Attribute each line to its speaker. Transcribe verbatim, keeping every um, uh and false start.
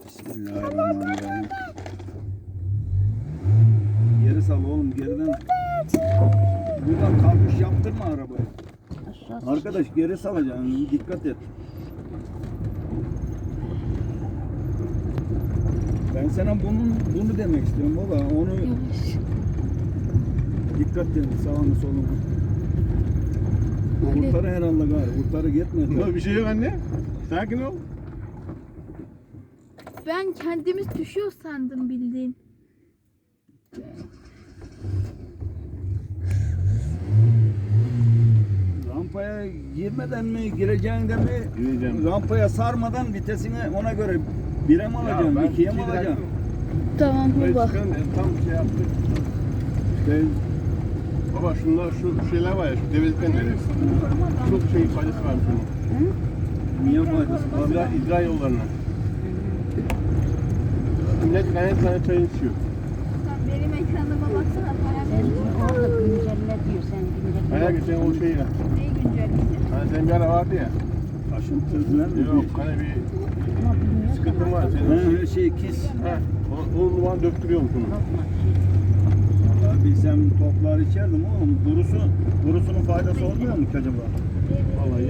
Speaker 1: Bismillahirrahmanirrahim. Geri sal oğlum, geriden. Buradan kalkış yaptırma arabayı. Arkadaş geri salacaksın, dikkat et. Ben sana bunun bunu demek istiyorum baba. Onu dikkat et sağını solunu. Kurtarı herhalde gari. Kurtarı gitmedi.
Speaker 2: Yok bir şey yok anne. Sakin ol.
Speaker 3: Ben kendimiz düşüyor sandım bildiğin.
Speaker 1: Rampaya girmeden mi gireceğin de mi?
Speaker 2: Gireceğim.
Speaker 1: Rampaya sarmadan vitesini ona göre bire mi alacaksın,
Speaker 2: ben
Speaker 1: ikiye mi
Speaker 2: iki
Speaker 1: alacaksın?
Speaker 2: dakika-
Speaker 3: Tamam
Speaker 2: Buraya
Speaker 3: baba.
Speaker 2: çıkalım, e, tam şey yaptık.
Speaker 1: İşte
Speaker 2: Baba şunlar şu şeyler var ya şu develikten nereye? Çok şey faydası var şunun.
Speaker 1: niye faydası var?
Speaker 2: İdra, idra yollarına. Millet gayet tane çay içiyor.
Speaker 3: Benim ekranıma baksana.
Speaker 4: Sen orada güncelle diyor, sen güncelle.
Speaker 2: Hayal geçen o şey ya.
Speaker 3: Neyi güncelleyeceğim?
Speaker 2: Hani senin bir ara vardı ya.
Speaker 1: Aşıntı falan mı?
Speaker 2: Yok hani bir
Speaker 4: Ama bilmiyorsan
Speaker 2: sıkıntın var
Speaker 1: Ha,
Speaker 2: senin.
Speaker 1: her şey kis.
Speaker 2: Ha, o, o zaman döktürüyormuş onu.
Speaker 4: korkma.
Speaker 1: Vallahi bilsem toplar içerdim oğlum. Durusu, durusunun faydası olmuyor mu ki acaba?
Speaker 2: Vallahi